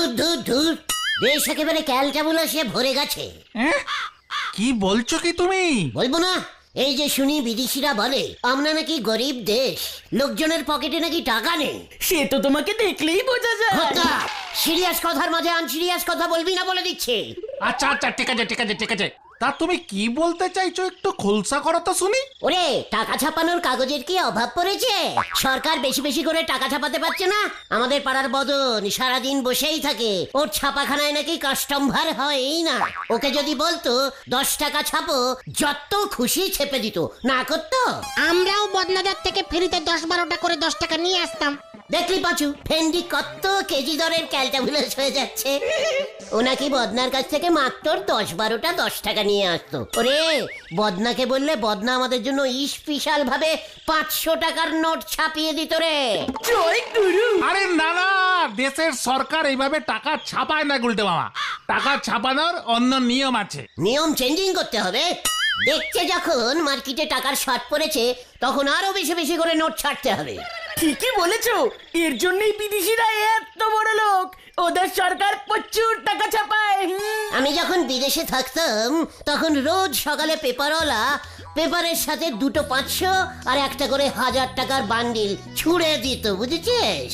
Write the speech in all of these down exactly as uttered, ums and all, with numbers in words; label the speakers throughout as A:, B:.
A: ধুর ধুর ধুর, দেশ একেবারে ক্যালটাবুলাসে ভরে গেছে।
B: কি বলছো কি তুমি?
A: বলবো না? এই যে শুনি বিদেশিরা বলে আমরা নাকি গরিব দেশ, লোকজনের পকেটে নাকি টাকা নেই।
C: সে তো তোমাকে দেখলেই বোঝা যায়।
A: সিরিয়াস কথার মাঝে আনসিরিয়াস কথা বলবি না বলে দিচ্ছে।
B: আচ্ছা আচ্ছা ঠিক আছে ঠিক আছে ঠিক আছে তা তুমি কি বলতে চাইছো একটু খোলসা করো তো শুনি।
A: ওরে, টাকা ছাপানোর কাগজের কি অভাব পড়েছে? সরকার বেশি বেশি করে টাকা ছাপাতে পারছে না? আমাদের পাড়ার বদন সারাদিন বসেই থাকে, ওর ছাপাখানায় নাকি কাস্টমার হয়ই না। ওকে যদি বলতো দশ টাকা ছাপো, যত খুশি ছেপে দিত, না করতো।
D: আমরাও বদনাদার থেকে ফ্রিতে দশ বারোটা করে দশ টাকা নিয়ে আসতাম।
A: দেখলি পাঁচু, ভেন্ডি কত কেজি দরের ক্যালটাবুলাস হয়ে যাচ্ছে। ও নাকি বদনার কাছ থেকে মাত্র দশ বারোটা দশ টাকা নিয়ে আসতো। ওরে, বদনাকে বললে বদনা আমাদের জন্য স্পেশাল ভাবে পাঁচশো টাকার নোট ছাপিয়ে দিত রে।
C: জয় গুরু।
B: আরে না না, দেশের সরকার এইভাবে টাকা ছাপায় না গুলটে মামা। টাকা ছাপানোর অন্য নিয়ম আছে।
A: নিয়ম চেঞ্জিং করতে হবে। দেখছে যখন মার্কেটে টাকার শর্ট পড়েছে, তখন আরো বেশি বেশি করে নোট ছাড়তে হবে।
C: ঠিকই বলেছো, এর জন্যই বিদেশিরা এত বড় লোক। ওদের সরকার প্রচুর টাকা ছাপায়। হুম।
A: আমি যখন বিদেশে থাকতাম তখন রোজ সকালে পেপারওয়ালা পেপারের সাথে দুটো পাঁচশো আর একটা করে হাজার টাকার বান্ডিল ছুঁড়ে দিত, বুঝেছিস?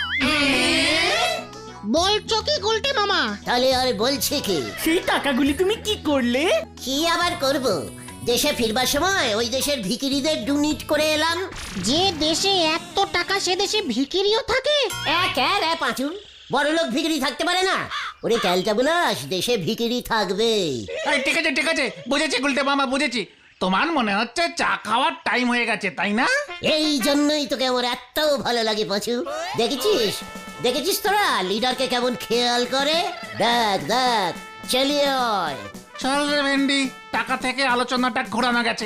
D: বলছো কি গুলটে মামা?
A: তাহলে আর বলছে কি?
C: সেই টাকাগুলি তুমি কি করলে?
A: কি আবার করব, দেশে ফিরবার সময় ওই দেশের ভিখিরিদের ডোনেট করে এলাম।
D: যে দেশে এত টাকা সে দেশে ভিখিরিও থাকে?
A: এক এক পাঁচু, বড় লোক ভিখিরি থাকতে পারে না? ওরে ক্যালটাবুলাস, দেশে ভিখিরি থাকবে।
B: এই ঠিক আছে ঠিক আছে বুঝেছি গুলটে মামা বুঝেছি। তোমার মনে হচ্ছে চা খাওয়ার টাইম হয়ে গেছে, তাই না?
A: এই জন্যই তোকে আমার এত ভালো লাগে পাঁচু। দেখেছিস দেখেছিস তোরা লিডারকে কেমন খেয়াল করে? দেখ দেখ, চালিয়ে আয়।
B: চল রে ভেন্ডি, টাকা থেকে আলোচনাটা ঘোরানো গেছে।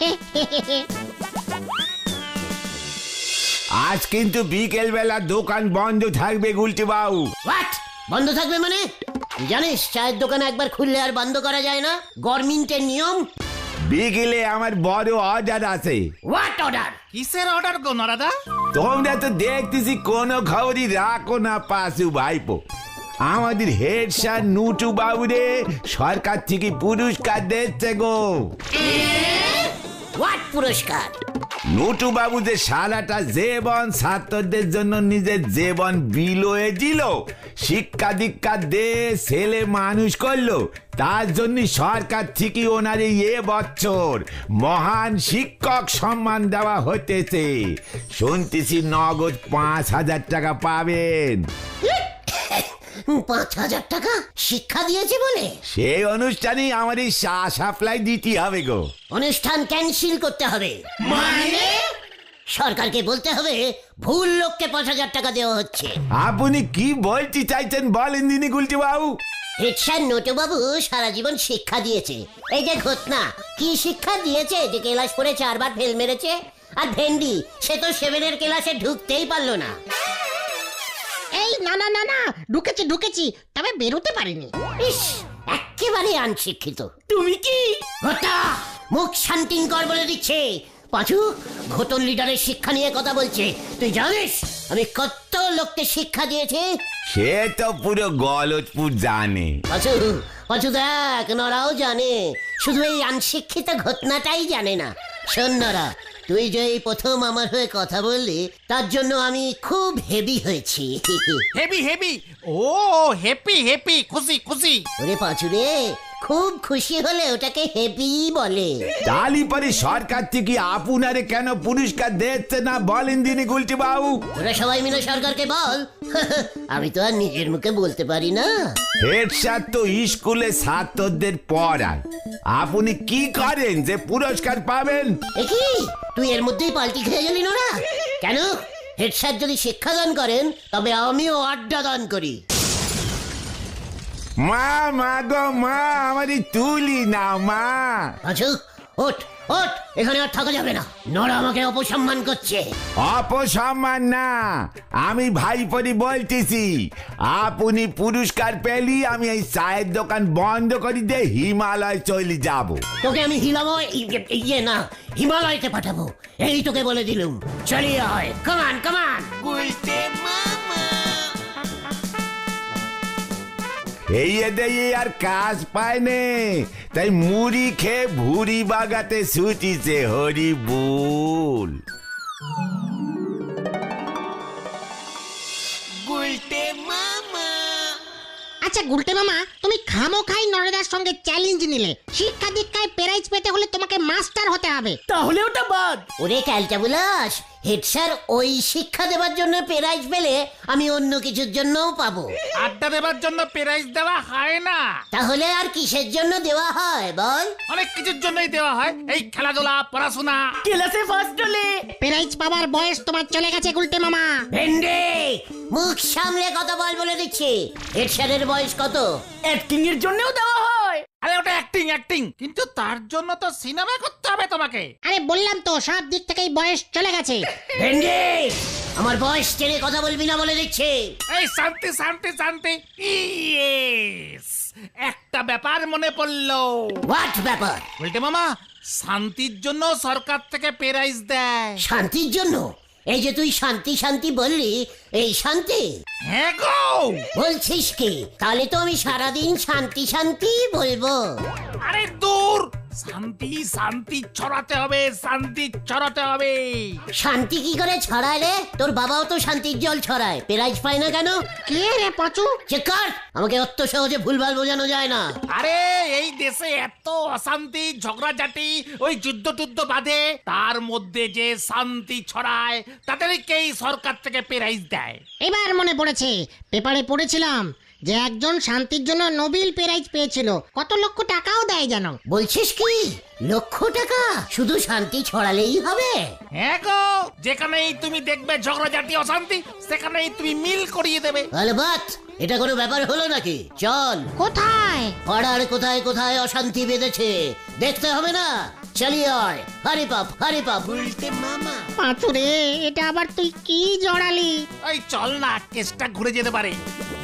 E: আজ কিন্তু বিকেল বেলা দোকান বন্ধ থাকবে গুলটি বাবু।
A: হোয়াট? বন্ধ থাকবে মানে? তুই জানিস চায়ের দোকান একবার খুললে আর বন্ধ করা যায় না, গভর্নমেন্টের নিয়ম।
E: বিকেলে আমার বড় অর্ডার আছে।
A: What order?
B: কিসের অর্ডার গো নরাদা?
E: তোমরা তো দেখতেছি কোনো খবরই রাখো না পাশু ভাইপো। আমাদের হেড স্যার নুটু বাবু রে সরকার থেকে পুরস্কার দিচ্ছে গো।
A: হোয়াট পুরস্কার?
E: নুটু বাবু যে সারাটা জীবন ছাত্রদের জন্য নিজের জীবন বিলোয়ে দিল, শিক্ষা দীক্ষা দে ছেলে মানুষ করলো, তার জন্য সরকার থেকে ওনার এ বছর মহান শিক্ষক সম্মান দেওয়া হতেছে। শুনতেছি নগদ পাঁচ হাজার টাকা পাবেন।
A: পাঁচ হাজার টাকা শিক্ষা দিয়েছে বলে?
E: সেই অনুষ্ঠানে আমার এই চা সাপ্লাই দিতে হবে গো।
A: অনুষ্ঠান ক্যান্সেল করতে হবে মানে? সরকারকে বলতে হবে ভুল লোককে পাঁচ হাজার টাকা দেওয়া হচ্ছে।
E: আপনি কি বলতে চাইছেন বলেন দিনি গুলটি বাবু।
A: হেডস্যার নটু বাবু সারা জীবন শিক্ষা দিয়েছে। এই যে ঘটনা, কি শিক্ষা দিয়েছে যে ক্লাস পড়ে চারবার ফেল মেরেছে? আর ভেন্ডি, সে তো সেভেনের ক্লাসে ঢুকতেই পারলো না।
D: এই না না না না, ঢুকেছি ঢুকেছি, তবে বেরোতে পারিনি।
A: ইস, একেবারে অনশিক্ষিত।
C: তুমি কি?
A: ঘটা, মুখ শান্তিং কর বলে দিচ্ছে। পাঁচু, ঘটন লিডারের শিক্ষা নিয়ে কথা বলছে। তুই জানিস আমি কত লোককে শিক্ষা দিয়েছি?
E: সে তো পুরো গলতপুর জানে।
A: পাঁচু পাঁচু দেখ, নরাও জানে, শুধু এই অনশিক্ষিত ঘটনাটাই জানে না। শোন নরা, তুই যে এই প্রথম আমার হয়ে কথা বললি, তার জন্য আমি খুব হেভি হয়েছি।
B: হেভি হেভি, ও হ্যাপি হ্যাপি, খুশি খুশি।
A: ওরে পাঁচু রে, খুব খুশি হলে ওটাকে হেভি বলে।
E: তালি পরে সরকার থেকে আপনারে কেন পুরস্কার দিচ্ছে না বলেন দিনি গুলটি বাবু।
A: ওরা সবাই মিলে সরকারকে বল। আমি তো আর নিজের মুখে বলতে পারি না।
E: হেড স্যার তো স্কুলে ছাত্রদের পড়ায়, আপনি কি করেন যে পুরস্কার পাবেন?
A: কি তুই এর মধ্যেই পাল্টি খেয়ে গেলি নোরা? কেন? হেড স্যার যদি শিক্ষাদান করেন, তবে আমিও আড্ডা দান করি।
E: মা মা গো মা, আমারই তুলি না মা।
A: আচ্ছা, ওঠ ওঠ, এখানে আর থাকা যাবে না। নোরা আমাকে অপসম্মান করছে।
E: অপসম্মান না, আমি ভাইপরি বলতেছি। আপনি পুরস্কার পেলি আমি এই চায়ের দোকান বন্ধ করে দিয়ে হিমালয় চলে যাব।
A: তোকে আমি হিমালয় ইয়ে না হিমালয়তে পাঠাবো, এই তোকে বলে দিলুম। চলিয়ে হয়, কামান কামান।
E: এই এদের আর কাজ পায় নে, তাই মুড়ি খেয়ে ভুড়ি বাগাতে ছুটিছে হরি বুল।
D: আচ্ছা গুলটে মামা, তুমি খামোখাই নরেদার সঙ্গে চ্যালেঞ্জ নিলে। শিক্ষা দীক্ষায় প্রাইজ পেতে হলে তোমাকে মাস্টার হতে হবে।
C: তাহলে ওটা বাদ।
A: ওরে ক্যালটা বুলাস, হেড স্যার ওই শিক্ষা দেওয়ার জন্য প্রাইজ পেলে আমি অন্য কিছুর জন্যও পাবো।
B: আড্ডা দেবার জন্য প্রাইজ দেওয়া হয় না,
A: তাহলে আর কিসের জন্য দেওয়া হয় বল?
B: অনেক কিছুর জন্যই দেওয়া হয়, এই খেলাধুলা, পড়াশোনা।
C: ক্লাসে ফার্স্ট হলে
D: প্রাইজ পাওয়ার বয়স তোমার চলে গেছে গুলটে মামা।
A: ভেন্ডে, মুখ সামলে কথা বল বলে দিচ্ছি। হেড স্যারের বয়স কত?
C: অ্যাক্টিং এর জন্যও দেওয়া হয়।
B: আরে ওটা অ্যাক্টিং অ্যাক্টিং, কিন্তু তার জন্য তো সিনেমা করতে হবে তোমাকে।
D: আরে বললাম তো সব দিক থেকেই বয়স চলে গেছে।
A: ভেন্ডে, আমার বয়স টেনে কথা বলবি না বলে দিচ্ছি।
B: এই শান্তি শান্তি শান্তি, ইয়েস, একটা ব্যাপার মনে পড়লো।
A: হোয়াট ব্যাপার?
B: বলতে মামা, শান্তির জন্য সরকার থেকে প্রাইজ দেয়।
A: শান্তির জন্য? এই যে তুই শান্তি শান্তি বললি, এই শান্তি?
B: হ্যাঁ গো।
A: বলছিস কি? তাহলে তো আমি সারাদিন শান্তি শান্তি বলবো।
B: আরে দূর, শান্তি শান্তি ছড়াতে হবে, শান্তি ছড়াতে হবে।
A: শান্তি কি করে ছড়ায় রে? তোর বাবাও তো শান্তির জল ছড়ায়, প্রাইজ পায় না কেন?
D: কে রে পাচু?
A: চেক কর, আমাকে অত সহজে ভুলভাল বোঝানো যায় না।
B: আরে এই দেশে এত অশান্তি, ঝগড়াঝাটি, ওই যুদ্ধ টুদ্ধ বাঁধে, তার মধ্যে যে শান্তি ছড়ায় তাদেরকেই সরকার থেকে প্রাইজ দেয়।
D: এবার মনে পড়েছে, পেপারে পড়েছিলাম যে একজন শান্তির জন্য নোবেল প্রাইজ পেয়েছিল। কত লক্ষ টাকাও দেয় জানো।
A: বলছিস কি? লক্ষ টাকা? শুধু শান্তি ছড়ালেই হবে?
B: হ্যাঁ গো, যেখানেই তুমি দেখবে ঝগড়াঝাটি, অশান্তি, সেখানেই তুমি মিল করিয়ে দেবে।
A: আলবাত, এটা কোনো ব্যাপার হলো নাকি? চল,
D: কোথায়?
A: পাড়ার কোথায় কোথায় অশান্তি বেঁধেছে দেখতে হবে না? চালিয়ে আয়, হারি পাপ হারি পাপ। উল্টে মামা,
D: পাঁচু রে, এটা আবার তুই কি জড়ালি?
B: ওই চল না, কেসটা ঘুরে যেতে পারে।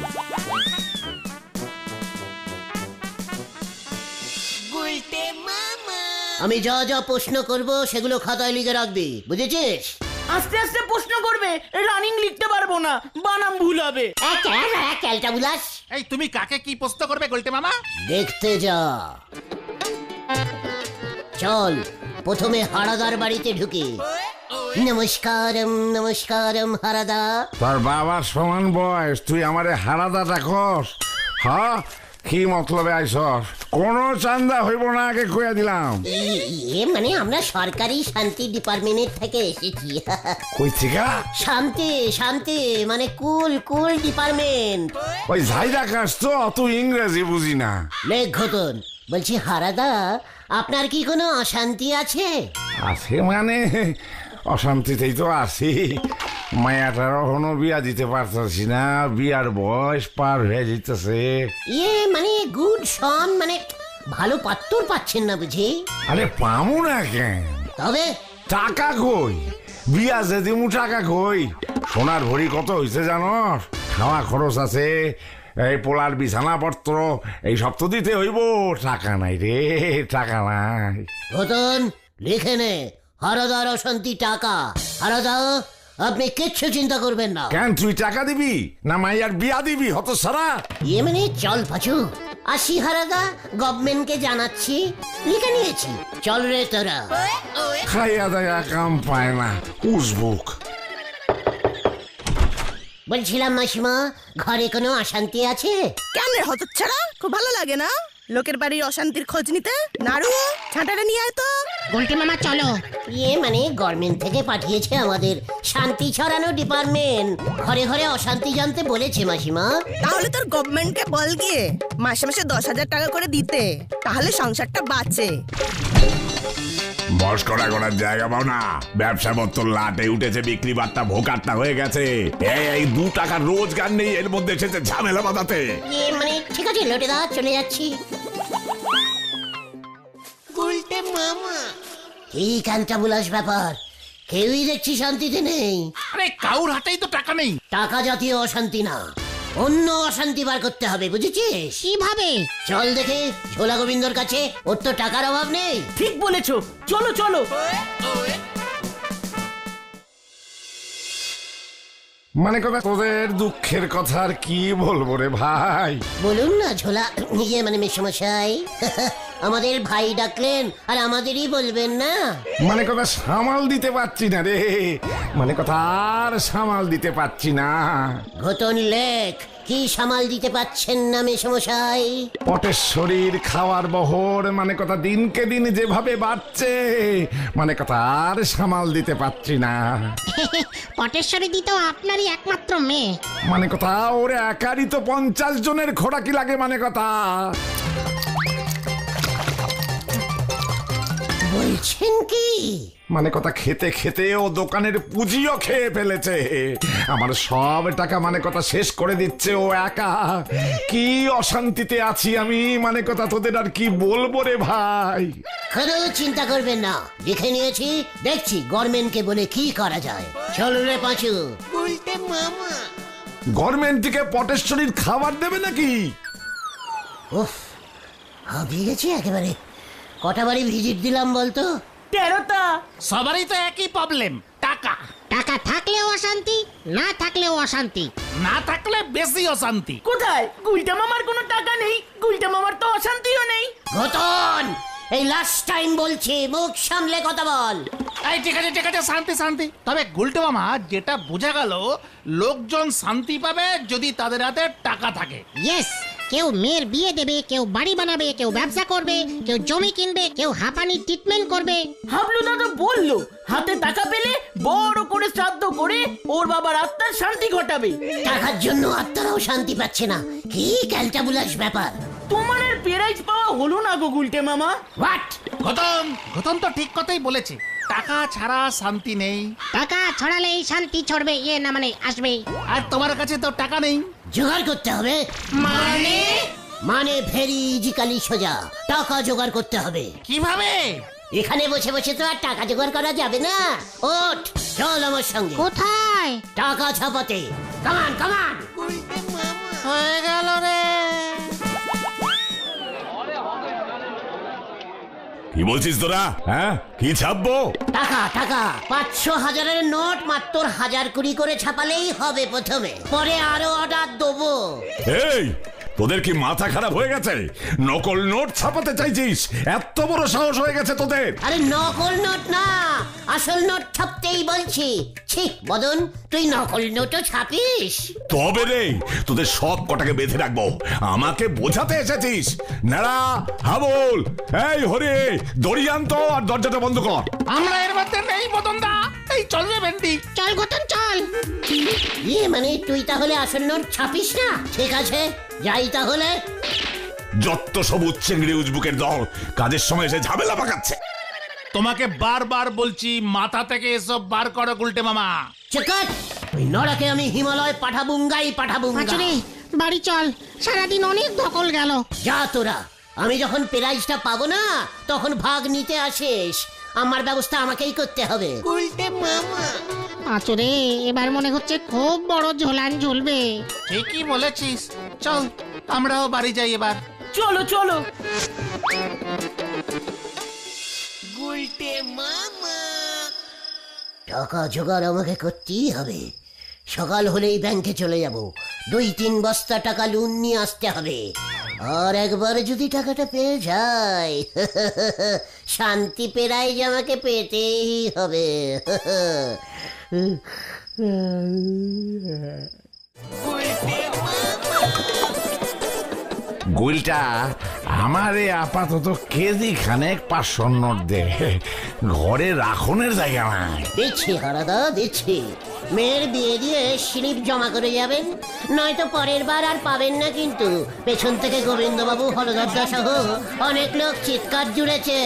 A: আমি যা যা প্রশ্ন করব সেগুলো খাতায় লিখে রাখবি, বুঝেছিস?
C: আস্তে আস্তে প্রশ্ন করবে, রানিং লিখতে পারবো না, বানাম ভুল হবে।
A: ক্যালটা বুলাস,
B: এই তুমি কাকে কি প্রশ্ন করবে গোলটে মামা?
A: দেখতে যা। চল, প্রথমে হারাদার বাড়িতে ঢুকি। নমস্কারম নমস্কারম হারাদা।
E: তোর বাবার সমান বয়স, তুই আমারে হারাদা ডাকস? হ্যাঁ, কি মতলবে আইসস? কোনো চান্দা হইব না, আগে কইয়া দিলাম।
A: এ মানে আমরা সরকারি শান্তি ডিপার্টমেন্ট থেকে এসেছি।
E: কই থেকে?
A: শান্তি শান্তি মানে কুল কুল ডিপার্টমেন্ট।
E: ওই ঝাইদা কাজ তো, অত ইংরেজি বুঝি না।
A: লেখ ঘটন, বলছি হারাদা, আপনার কি কোনো অশান্তি আছে?
E: আছে মানে অশান্তিতেই তো আছি। মায়াটার এখনো বিয়া দিতে পারতেছি না, বিয়ার বয়স পার হয়ে যেতেছে।
A: ইয়ে মানে গুড সন, মানে ভালো পাত্তর পাচ্ছেন না বুঝি?
E: আরে পামু না কেন?
A: তবে
E: টাকা কই? বিয়া যে দিমু টাকা কই? সোনার ভরি কত হয়েছে জানস? খাওয়া খরচ আছে, এই পোলার বিছানাপত্র, এই সব তো দিতে হইব। টাকা নাই রে, টাকা নাই।
A: ঘটন লিখে নে, হারাদার অশান্তি টাকা। হারাদা, আপনি কিচ্ছু চিন্তা করবেন না।
E: কেন, তুই টাকা দিবি না মাইয়ার বিয়া দিবি? হত সারা
A: ইয়ে মানে চল পাচু, আসি হারাদা, গভর্নমেন্টকে জানাচ্ছি, লিখে নিয়েছি। চল রে তোরা।
E: খাইয়া দায়া কাম পায় না, উসবুক।
A: বলছিলাম মাসিমা, ঘরে কোনো অশান্তি আছে?
F: কেন রে হতচ্ছাড়া, খুব ভালো লাগে না লোকের বাড়ির অশান্তির খোঁজ নিতে? নাড়ু, ছাঁটাটা নিয়ে আয় তো।
D: গুলটে মামা চলো।
A: ইয়ে মানে গভর্নমেন্ট থেকে পাঠিয়েছে আমাদের শান্তি ছড়ানো ডিপার্টমেন্ট, ঘরে ঘরে অশান্তি জানতে বলেছে মাসিমা।
F: তাহলে তোর গভর্নমেন্টকে বল গিয়ে মাসে মাসে দশ হাজার টাকা করে দিতে, তাহলে সংসারটা বাঁচে।
E: বস করা করার জায়গা পাও না, ব্যবসা পত্র লাটে উঠেছে, বিক্রি বার্তা ভোকাট্টা হয়ে গেছে। এই দু টাকার রোজগার নেই, এর মধ্যে এসেছে ঝামেলা বাঁধাতে।
A: ইয়ে মানে ঠিক আছে লোটে দা, চলে যাচ্ছি। এই কালটা বুলাস ব্যাপার, কেউই দেখছি শান্তিতে নেই।
B: আরে কাউর হাতেই তো টাকা নেই।
A: টাকা জাতীয় অশান্তি না, অন্য অশান্তি বার করতে হবে, বুঝেছিস?
D: কিভাবে?
A: চল দেখে ঝোলা গোবিন্দর কাছে, ওর তো টাকার অভাব নেই।
C: ঠিক বলেছো, চলো চলো।
G: মানে কথা তোদের দুঃখের কথা আর কি বলবো রে ভাই।
A: বলুন না ঝোলা, ইয়ে মানে মেসমশাই, আমাদের ভাই ডাকলেন আর আমাদেরই বলবেন না।
G: মানে কথা সামাল দিতে পারছি না রে, মানে কথা আর সামাল দিতে পারছি না।
A: ঘটন লেখ, কি সামাল দিতে পাচ্ছেন না মেসমশাই?
G: পটের শরীর খাওয়ার বহর মানে কথা দিনকে দিন যেভাবে বাড়ছে, মানে কথা আর সামাল দিতে পারছি না।
D: পটেশ্বরী দি তো আপনারই একমাত্র মেয়ে।
G: মানে কথা ওর একারই তো পঞ্চাশ জনের খোরাকি লাগে, মানে কথা।
A: বলছেন কি?
G: মানে কথা খেতে খেতে ও দোকানের পুঁজিও খেয়ে ফেলেছে। আমার সব টাকা মানে কথা শেষ করে দিচ্ছে ও একা। কি অশান্তিতে আছি আমি, মানে কথা তোদের আর কি বলবো রে ভাই।
A: কোনো চিন্তা করবেন না, লিখে নিয়েছি, দেখছি গভর্নমেন্টকে বলে কি করা যায়। চলো রে পাঁচু।
G: গভর্নমেন্ট থেকে পটেশ্বরীর খাবার দেবে নাকি?
A: উফ, হাবিয়ে গেছি একেবারে। কটা বাড়ি ভিজিট দিলাম বলতো?
C: তেরোটা।
B: সবারই তো একই প্রবলেম, টাকা।
D: টাকা থাকলেও অশান্তি, না থাকলেও অশান্তি।
B: না থাকলে বেশি অশান্তি।
C: কোথায়? গুলটা মামার কোনো টাকা নেই, গুলটা মামার তো অশান্তিও নেই।
A: ঘটন, এই লাস্ট টাইম বলছি, মুখ সামলে কথা বল।
B: এই ঠিক আছে ঠিক আছে, শান্তি শান্তি। তবে গুলটে মামা, যেটা বোঝা গেল, লোকজন শান্তি পাবে যদি তাদের হাতে টাকা থাকে।
D: ইয়েস, কেউ মেয়ের বিয়ে দেবে, কেউ বাড়ি বানাবে, কেউ ব্যবসা করবে, কেউ জমি কিনবে, কেউ হাঁপানি ট্রিটমেন্ট করবে।
C: হাবলুদা তো বললো হাতে টাকা পেলে বড় করে শ্রাদ্ধ করে ওর বাবার আত্মার শান্তি ঘটাবে।
A: টাকার জন্য আত্মারাও শান্তি পাচ্ছে না, কি ক্যালটাবুলাস ব্যাপার।
C: তোমার আর প্রাইজ পাওয়া হলো না গো গুলটে মামা।
A: হোয়াট?
B: ঘটন ঘটন তো ঠিক কথাই বলেছে, টাকা ছাড়া শান্তি নেই।
D: টাকা ছড়ালেই শান্তি ছড়বে, ইয়ে না মানে আসবে।
B: আর তোমার কাছে তো টাকা নেই।
A: জোগাড় করতে হবে। মানে? মানে ভেরি ইজিক্যালি সোজা, টাকা জোগাড় করতে হবে।
B: কিভাবে?
A: এখানে বসে বসে তো আর টাকা জোগাড় করা যাবে না। ওঠ, চল আমার সঙ্গে।
D: কোথায়?
A: টাকা ছাপাতে। কামান কামান।
B: হয়ে গেল রে।
E: কি বলছিস তোরা? হ্যাঁ, কি ছাপবো?
A: টাকা টাকা পাঁচশো হাজারের নোট মাত্র হাজার কুড়ি করে ছাপালেই হবে প্রথমে, পরে আরো অর্ডার দেবো।
E: এই, তোদের কি মাথা খারাপ হয়ে গেছে? নকল নোট ছাপাতে চাইছিস? এত বড় সাহস হয়ে গেছে তোদের?
A: আরে নকল নোট না, আসল নোট ছাপতেই বলছি। ছি বদন, তুই নকল নোটও ছাপিস?
E: তবে রে, তোদের সব কটাকে বেঁধে রাখবো। আমাকে বোঝাতে এসেছিস? নাড়া, হাবল, এই হরে, দড়ি আনতো আর দরজাটা বন্ধ কর।
B: আমরা এর মধ্যে নেই মদন দা। এই চল রে ভেন্ডি।
D: চল গতন চল।
A: ইয়ে মানে তুই তাহলে আসল নোট ছাপিস না? ঠিক আছে, যাই তাহলে।
E: যত সব উচ্চেঙ্গড়ি উজবুকের দল কাজের সময় এসে ঝামেলা পাকাচ্ছে।
B: তোমাকে বারবার বলছি, মাথা থেকে এসব বার করো গুলটে মামা।
A: চেকাট, ওই নরাকে আমি হিমালয় পাঠাবুঙ্গাই পাঠাবুঙ্গা।
D: পাঁচুরে বাড়ি চল, সারাদিন অনেক ধকল গেল।
A: যা তোরা, আমি যখন প্রাইজটা পাবো না তখন ভাগ নিতে আসিস। আমার ব্যবস্থা আমাকেই করতে হবে।
D: পাঁচুরে এবার মনে হচ্ছে খুব বড় ঝোলান ঝুলবে।
B: ঠিকই বলেছিস, চল আমরাও বাড়ি যাই এবার।
C: চলো চলো।
A: টাকা জোগাড় আমাকে করতেই হবে। সকাল হলেই ব্যাংকে চলে যাব, দুই তিন বস্তা টাকা লোন নিয়ে আসতে হবে। আর একবার যদি টাকাটা পেয়ে যাই, শান্তি পেরাই যে আমাকে পেতেই হবে।
G: গুলটা আমারে আপাতত কেজি খানেক পাঁচশো নোট দে, ঘরে রাখনের জায়গা নাই।
A: দিচ্ছি হারাদা, দিচ্ছি। মেয়ের বিয়ে দিয়ে স্লিপ জমা করে যাবেন, নয়তো পরের বার আর পাবেন না কিন্তু। পেছন থেকে গোবিন্দবাবু, হলদরদা সহ অনেক লোক চিৎকার জুড়েছে।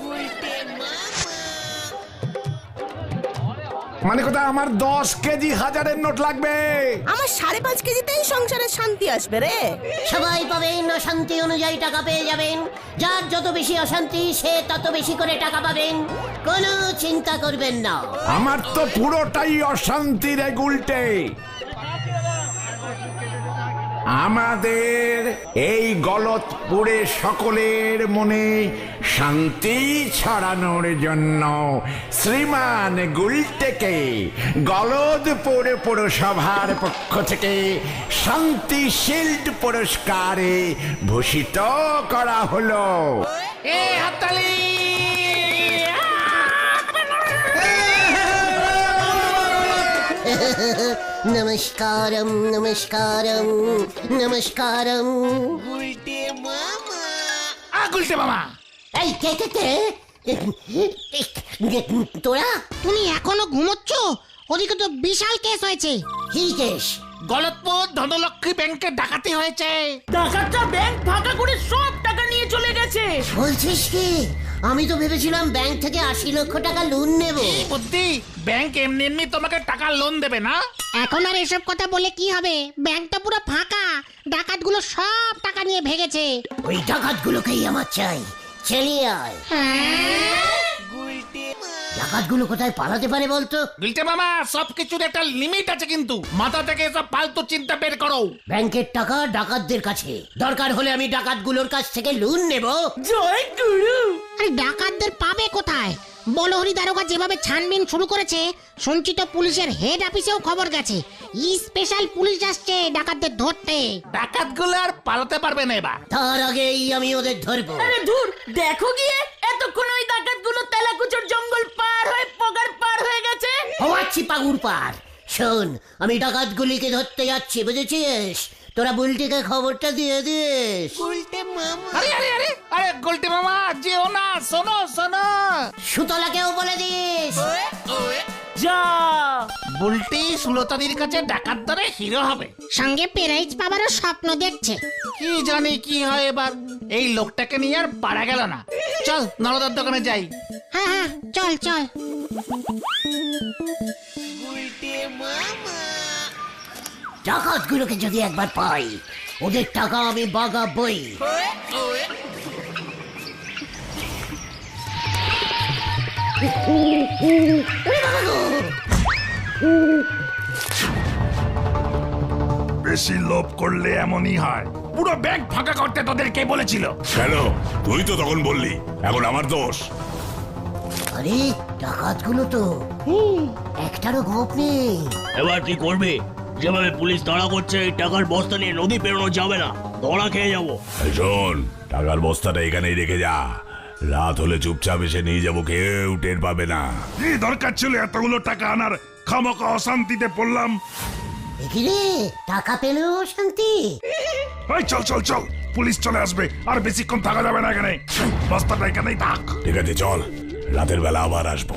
G: মানে কথা আমার দশ কেজি হাজারের নোট লাগবে।
F: আমার সাড়ে পাঁচ কেজিতেই সংসারে শান্তি আসবে রে।
A: সবাই পাবেন, অশান্তি অনুযায়ী টাকা পেয়ে যাবেন। যার যত বেশি অশান্তি সে তত বেশি করে টাকা পাবেন, কোনো চিন্তা করবেন না।
G: আমার তো পুরোটাই অশান্তি রে গুলটে।
E: আমাদের এই গলতপুরে সকলের মনে শান্তি ছড়ানোর জন্য শ্রীমান গুলটেকে গলদপুর পৌরসভার পক্ষ থেকে শান্তি শিল্ড পুরস্কারে ভূষিত করা হলো।
B: এ হাততালি!
A: নমস্কারম নমস্কারম নমস্কারম।
B: আ, গুলটে মামা!
A: এই কে কে কে তোরা
D: তুমি এখনো ঘুমোচ্ছ? ওদিকে তো বিশাল কেস হয়েছে।
A: কি কেস?
B: গলতপুর ধনলক্ষ্মী ব্যাংকে ডাকাতি হয়েছে।
C: ডাকাতটা ব্যাংক ফাঁকা করে সব টাকা নিয়ে চলে গেছে।
A: বলছিস কি? আমি তো ভেবেছিলাম ব্যাংক থেকে আশি লক্ষ টাকা লোন নেব।
B: বুদ্ধি, ব্যাংক এমনি এমনি তোমাকে টাকা লোন দেবে না।
D: এখন আর এসব কথা বলে কি হবে? ব্যাংকটা পুরো ফাঁকা, ডাকাতগুলো সব টাকা নিয়ে ভেগেছে।
A: ওই ডাকাতগুলোকেই আমার চাই। চালিয়ে আয়। ডাকাতগুলো কোথায় পালাতে পারে বলতো?
B: গুলটে মামা, সবকিছুর একটা লিমিট আছে কিন্তু। মাথা থেকে সব ফালতু চিন্তা বের করো।
A: ব্যাংকের টাকা ডাকাতদের কাছে, দরকার হলে আমি ডাকাতগুলোর কাছ থেকে লোন নেব।
C: জয় গুরু।
D: আরে ডাকাতদের পাবে কোথায়? বলহরি দারোগা যেভাবে ছানবিন শুরু করেছে, সঞ্চিত পুলিশের হেড অফিসেও খবর গেছে। স্পেশাল পুলিশ আসছে ডাকাতদের ধরতে।
B: ডাকাতগুলো আর পালাতে পারবে না এবার।
A: তার আগেই আমি ওদের ধরবো।
C: আরে ধুর, দেখো গিয়ে এতক্ষণ ওই ডাকাতগুলো তেলাকুচোর জঙ্গল পার হয়ে পগার পার হয়ে গেছে।
A: হওয়াচ্ছি পাগুর পার। শোন, আমি ডাকাতগুলিকে ধরতে যাচ্ছি, বুঝেছিস? তোরা বুলটিকে খবরটা দিয়ে দিস।
B: আরে আরে আরে আরে গুলটে মামা, যেও না, শোনো শোনো।
A: সুতলাকেও বলে দিস।
C: যা।
B: বুলটি সুলতাদির কাছে ডাকাত ধরে হিরো হবে।
D: সঙ্গে প্রাইজ পাবারও স্বপ্ন দেখছে।
B: কি জানি কি হয় এবার। এই লোকটাকে নিয়ে আর পারা গেল না। চল নরদার দোকানে যাই।
D: হ্যাঁ হ্যাঁ, চল চল।
A: ডাকাতগুলোকে যদি একবার পাই, ওদের টাকা আমি বাগাবই।
H: বেশি লোভ করলে এমনই হয়।
B: পুরো ব্যাংক ফাঁকা করতে তোদের কে বলেছিল?
H: কেন? তুই তো তখন বললি, এখন আমার দোষ।
A: আরে ডাকাতগুলো তো হুম, একটারও গোপ নেই।
I: এবার কি করবে? যেভাবে পুলিশ তাড়া করছে, এই টাকার বস্তা নিয়ে নদী পেরোনো যাবে না, ধরা খেয়ে যাবো।
H: এই শোন, টাকার বস্তাটা এখানেই রেখে যা। রাত হলে চুপচাপ এসে নিয়ে যাবো, কেউ টের পাবে না। কি দরকার ছিল এতগুলো টাকা আনার? খামোকা অশান্তিতে পড়লাম।
A: রে টাকা পেলেও শান্তি।
H: এই চল চল চল, পুলিশ চলে আসবে, আর বেশিক্ষণ থাকা যাবে না এখানে। বস্তাটা এখানেই থাক। ঠিক আছে চল, রাতের বেলা আবার আসবো।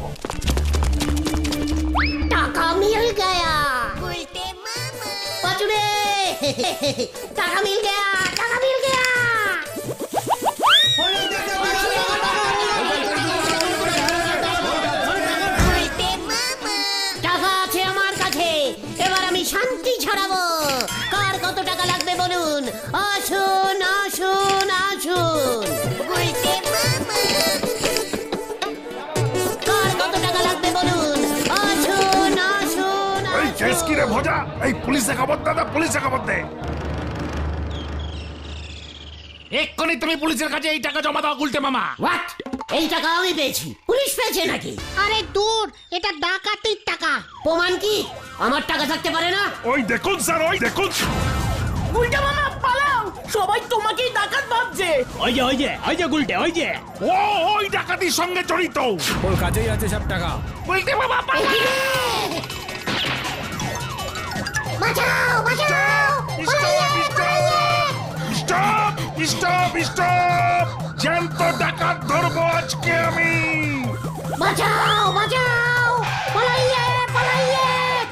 A: টাকা মিল গয়া। পাচুরে টাকা মিল গয়া, টাকা মিল গয়া। টাকা আছে আমার কাছে, এবার আমি শান্তি ছড়াবো। কার কত টাকা লাগবে বলুন? আসুন আসুন আসুন। কার কত টাকা লাগবে বলুন? আসুন আসুন
H: এই কেস কি রে ভোজা? এই পুলিশে খবর দে, দে, পুলিশে খবর দে।
B: এক্ষুনি তুমি পুলিশের কাছে এই টাকা জমা দাও গুলটে মামা।
A: হোয়াট? এই টাকা আমি পেয়েছি, পুলিশ পেয়েছে নাকি?
D: আরে দূর, এটা ডাকাতির টাকা।
A: প্রমাণ কি? আমার টাকা থাকতে পারে না?
H: ওই দেখুন স্যার, ওই দেখুন।
C: উল্টা মামা পালাও, সবাই তোমাকেই ডাকাত ভাবছে।
I: ওই যে ওই যে ওই যে গুলটে, ওই যে
H: ও ওই ডাকাতির সঙ্গে জড়িত।
J: ওর কাছেই আছে সব টাকা।
B: গুলটে মামা পালা!
A: বাঁচাও বাঁচাও!
H: Stop stop stop! জ্যান্ত ডাকাত ধরবো আজকে আমি।
A: বাঁচাও বাঁচাও! পালাইয়ে পালাইয়ে!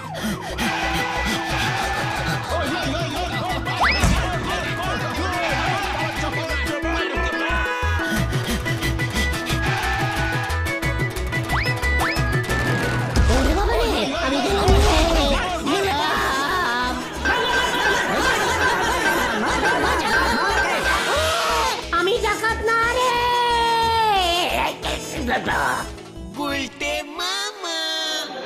A: ওরে বাবা রে, আমি গেলাম রে, গেলাম। আমি ডাকাত না রে।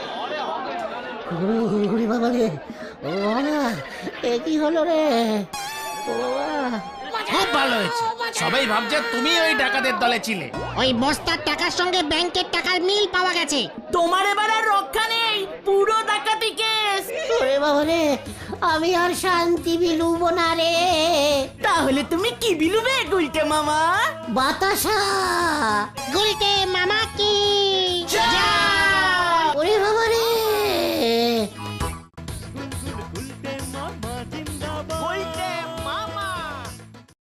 A: ওরে বাবা রে, ও বাবা, এ কি হলো রে?
B: খুব ভালো হয়েছে, সবাই ভাবছে তুমি ওই ডাকাতের দলে ছিলে।
D: ওই বস্তার টাকার সঙ্গে ব্যাংকের টাকার মিল পাওয়া গেছে।
C: তোমার এবার আর রক্ষা নেই, পুরো ডাকাতি কেস।
A: ওরে বাবা রে, আমি আর শান্তি বিলুব না রে।
C: তাহলে তুমি কি বিলুবে গুলটে মামা?
A: বাতাসা।
D: গুলটে মামা কি জয়।